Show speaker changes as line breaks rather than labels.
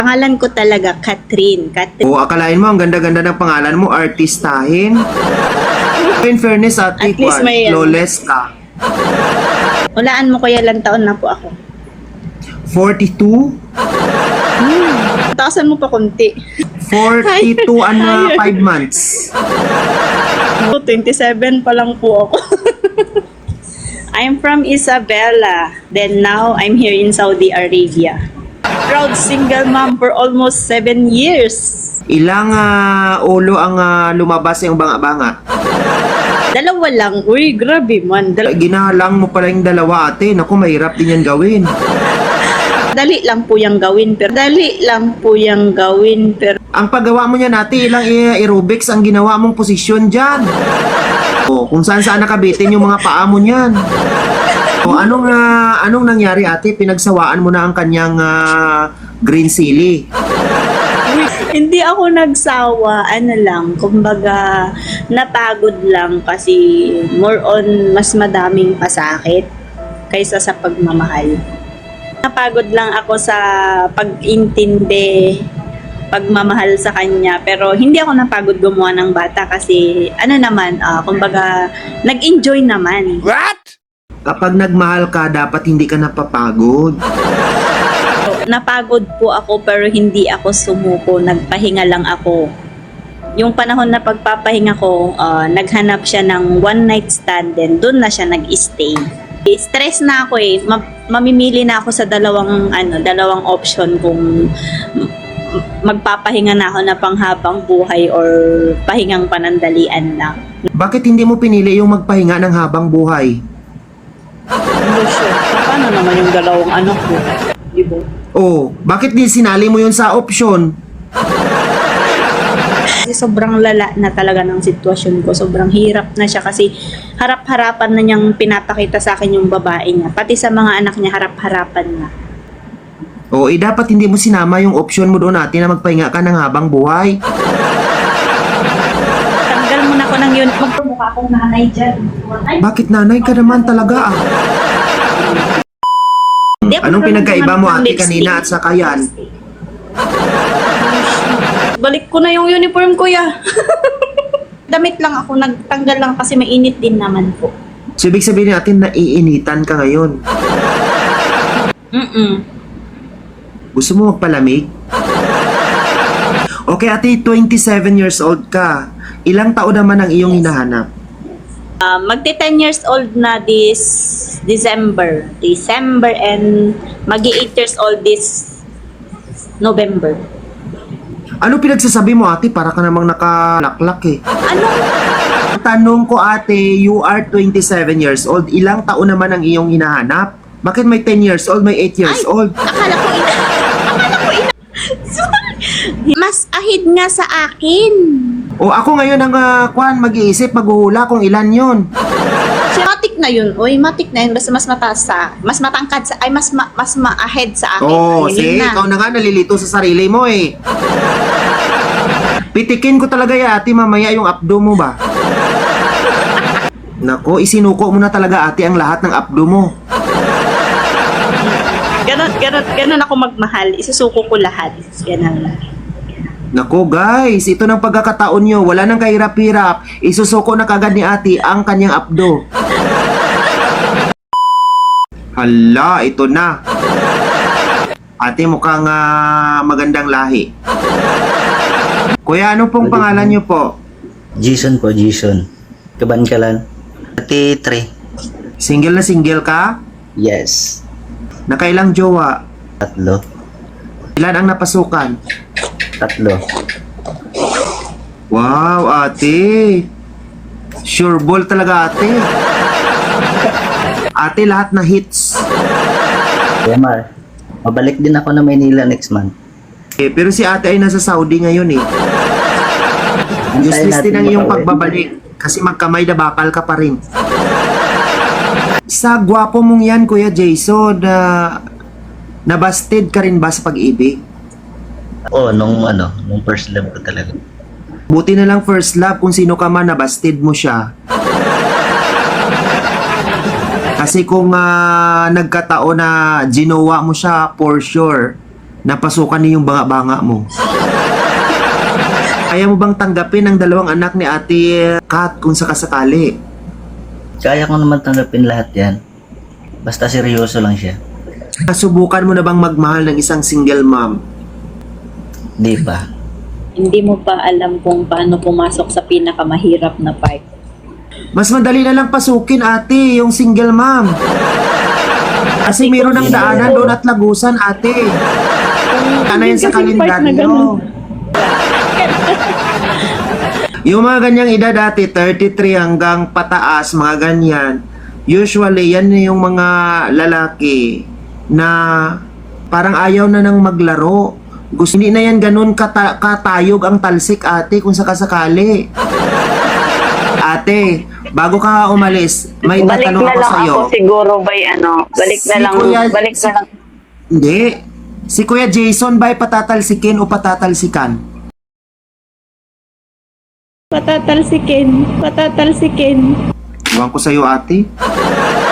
Pangalan ko talaga, Catherine.
O, akalain mo, ang ganda-ganda ng pangalan mo, artistahin. In fairness, ate,
At least may,
flawless ka.
Hulaan mo kuya, ilang taon na po ako.
42?
Taasan mo pa konti.
42 and 5 months.
27 pa lang po ako. I'm from Isabela. Then now, I'm here in Saudi Arabia. Proud single mom for almost 7 years.
Ilang ulo ang lumabas yung banga-banga?
Dalawa lang. Uy, grabe man.
Ginalang mo pala yung dalawa, ate. Naku, mahirap din yan gawin.
Dali lang po yung gawin. Pero
Ang paggawa mo niyan, ate, ilang aerobics ang ginawa mong posisyon dyan. O, kung saan nakabitin yung mga paa mo niyan. O, anong nangyari, ate? Pinagsawaan mo na ang kanyang green silly.
hindi ako nagsawa. Ano lang, kumbaga, napagod lang kasi more on mas madaming pasakit kaysa sa pagmamahal. Napagod lang ako sa pag-intindi, pagmamahal sa kanya. Pero hindi ako napagod gumawa ng bata kasi kumbaga, nag-enjoy naman.
What?
Kapag nagmahal ka, dapat hindi ka napapagod.
Napagod po ako pero hindi ako sumuko. Nagpahinga lang ako. Yung panahon na pagpapahinga ko, naghanap siya ng one night stand din. Doon na siya nag-stay. Stress na ako eh. Mamimili na ako sa dalawang option kung magpapahinga na ako na panghabang buhay or pahingang panandalian lang.
Bakit hindi mo pinili yung magpahinga ng habang buhay?
Hindi sure. Paano naman yung dalawang anak ko? Diba?
Oh, bakit di sinali mo yun sa option?
Kasi sobrang lala na talaga ng sitwasyon ko. Sobrang hirap na siya kasi harap-harapan na niyang pinapakita sa akin yung babae niya. Pati sa mga anak niya, harap-harapan na.
O, dapat hindi mo sinama yung option mo doon, ate, na magpahinga ka ng habang buhay.
Tanggal mo na ko ng uniform. Mukha akong nanay dyan.
Bakit nanay ka naman talaga, ah?
Di ako
Anong pinagkaiba mo,
marunong
ate,
lipstick.
kanina at saka yan?
Balik ko na yung uniform ko, ya. Damit lang ako, nagtanggal lang kasi mainit din naman po.
So, ibig sabihin natin naiinitan ka ngayon. Gusto mo magpalamig? Okay, ate, 27 years old ka. Ilang taon naman ang iyong hinahanap?
Magti 10 years old na this December and magi 8 years old this November.
Ano pinagsasabi mo, ate? Para ka namang nakalaklak eh.
Ano?
Tanong ko, ate, you are 27 years old. Ilang taon naman ang iyong hinahanap? Bakit may 10 years old, may 8 years old?
Akala ko ina. Sorry. Mas ahid nga sa akin.
O ako ngayon ang mag-iisip, maghuhula kung ilan yun.
Matik na yun. Uy, matik na yun. Basta mas mataas mas matangkad sa, mas ma-ahead sa akin.
Oo,
Ayun
see, ikaw na nga nalilito sa sarili mo eh. Pitikin ko talaga ya, ate, mamaya yung abdo mo ba? Nako, isinuko mo na talaga, ate, ang lahat ng abdo mo.
Ganon ako magmahal. Isusuko ko lahat. Ganon lang.
Nako guys, ito ng pagkakataon nyo, wala nang kahirap-hirap, isusuko na kagad ni ate ang kanyang abdo. Hala, ito na. Ate, mukhang magandang lahi. Kuya, ano pong pangalan nyo po?
Jason po, Jason. Kabankalan. 33.
Single na single ka?
Yes.
Nakailang jowa?
3.
Ilan ang napasukan?
3.
Wow, ate. Sure ball talaga, ate. Ate, lahat na hits.
Kuya Mar, mabalik din ako na Maynila next month.
Pero si ate ay nasa Saudi ngayon eh. Useless din ang iyong pagbabalik kasi magkamay na bakal ka pa rin. Sa gwapo mong yan, Kuya Jason, nabasted ka rin ba sa pag-ibig?
Oo, nung first love ko talaga.
Buti na lang first love, kung sino ka man, nabasted mo siya. Kasi kung nagkataon na ginawa mo siya, for sure, napasukan niyo yung banga-banga mo. Kaya mo bang tanggapin ang dalawang anak ni Ate Kat kung sakasakali?
Kaya ko naman tanggapin lahat yan. Basta seryoso lang siya.
Subukan mo na bang magmahal ng isang single mom?
Di pa.
Hindi mo pa alam kung paano pumasok sa pinakamahirap na part.
Mas madali na lang pasukin, ate, yung single mom. Kasi meron ng daanan doon at lagusan, ate. Ano yun sa kalendaryo? Yung mga ganyang edad, ate, 33 hanggang pataas, mga ganyan. Usually, yan yung mga lalaki na parang ayaw na nang maglaro. Gusto, hindi na yan ganun katayog ang talsik, ate, kung sakasakali. Ate, bago ka umalis, may
Balik
tatanong
na
ako
lang
sa'yo.
ako siguro by balik na
Si
lang,
Kuya-
balik na lang.
Hindi. Si Kuya Jason ba'y patatalsikin o patatalsikan?
Patatalsikin.
Iwan ko sa'yo, ate.